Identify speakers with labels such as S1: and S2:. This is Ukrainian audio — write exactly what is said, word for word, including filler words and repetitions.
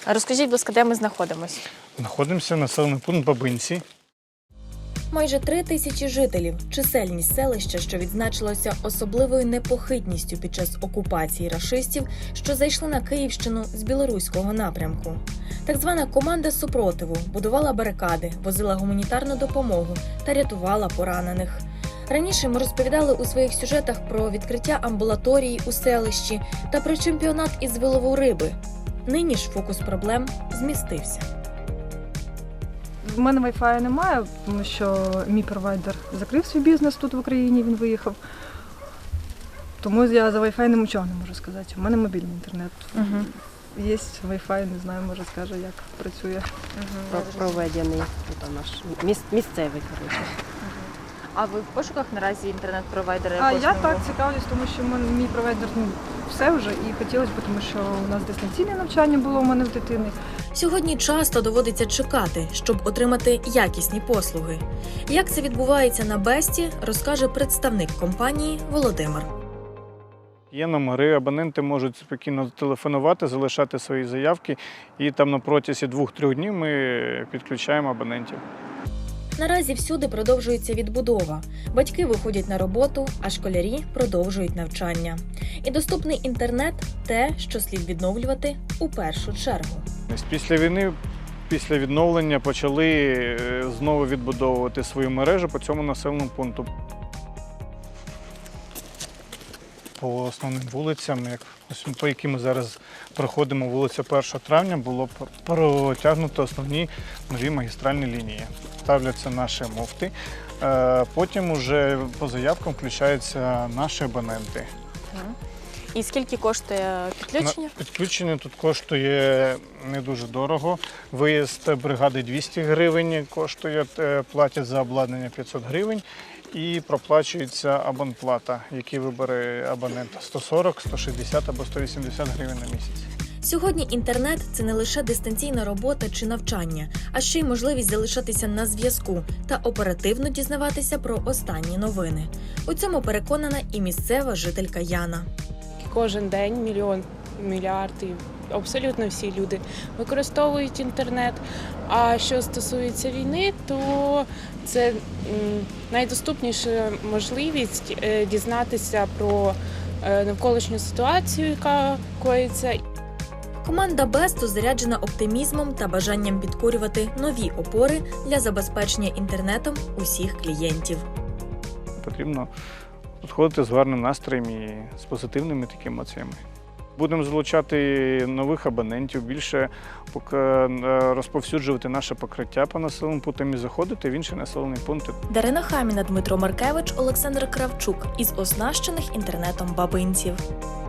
S1: Розкажіть, будь ласка, де ми знаходимося?
S2: Знаходимося населений пункт Бабинці.
S3: Майже три тисячі жителів – чисельність селища, що відзначилося особливою непохитністю під час окупації рашистів, що зайшли на Київщину з білоруського напрямку. Так звана команда супротиву будувала барикади, возила гуманітарну допомогу та рятувала поранених. Раніше ми розповідали у своїх сюжетах про відкриття амбулаторії у селищі та про чемпіонат із вилову риби. Нині ж фокус проблем змістився.
S4: В мене вайфаю немає, тому що мій провайдер закрив свій бізнес тут в Україні, він виїхав. Тому я за вайфай нічого не можу сказати. У мене мобільний інтернет.
S1: Угу.
S4: Є вайфай, не знаю, може скаже, як працює.
S5: Про- проведений тут наш міс- місцевий, коротше.
S1: А ви в пошуках наразі інтернет-провайдера?
S4: А
S1: якогось
S4: я
S1: нового?
S4: так цікавлюсь, тому що в мене мій провайдер ну, все вже і хотілося б, тому що у нас дистанційне навчання було у мене в дитини.
S3: Сьогодні часто доводиться чекати, щоб отримати якісні послуги. Як це відбувається на Бесті, розкаже представник компанії Володимир.
S2: Є номери, абоненти можуть спокійно телефонувати, залишати свої заявки, і там на протязі двох-трьох днів ми підключаємо абонентів.
S3: Наразі всюди продовжується відбудова. Батьки виходять на роботу, а школярі продовжують навчання. І доступний інтернет – те, що слід відновлювати у першу чергу.
S2: Після війни, після відновлення почали е, знову відбудовувати свою мережу по цьому населеному пункту. По основним вулицям, як, ось по яким ми зараз проходимо, вулиця першого травня, було протягнуто основні нові магістральні лінії. Ставляться наші муфти, е, потім уже по заявкам включаються наші абоненти.
S1: І скільки коштує підключення?
S2: На- Підключення тут коштує не дуже дорого. Виїзд бригади двісті гривень коштує, е, платять за обладнання п'ятсот гривень і проплачується абонплата, який вибере абонент сто сорок, сто шістдесят або сто вісімдесят гривень на місяць.
S3: Сьогодні інтернет – це не лише дистанційна робота чи навчання, а ще й можливість залишатися на зв'язку та оперативно дізнаватися про останні новини. У цьому переконана і місцева жителька Яна.
S6: Кожен день мільйон, мільярди, абсолютно всі люди використовують інтернет. А що стосується війни, то це м, найдоступніша можливість е, дізнатися про е, навколишню ситуацію, яка коїться.
S3: Команда Бесту заряджена оптимізмом та бажанням підкорювати нові опори для забезпечення інтернетом усіх клієнтів.
S2: Потрібно підходити з гарним настроєм і з позитивними такими емоціями. Будемо залучати нових абонентів, більше поки розповсюджувати наше покриття по населеним пунктам і заходити в інші населені пункти.
S3: Дарина Хаміна, Дмитро Маркевич, Олександр Кравчук із оснащених інтернетом бабинців.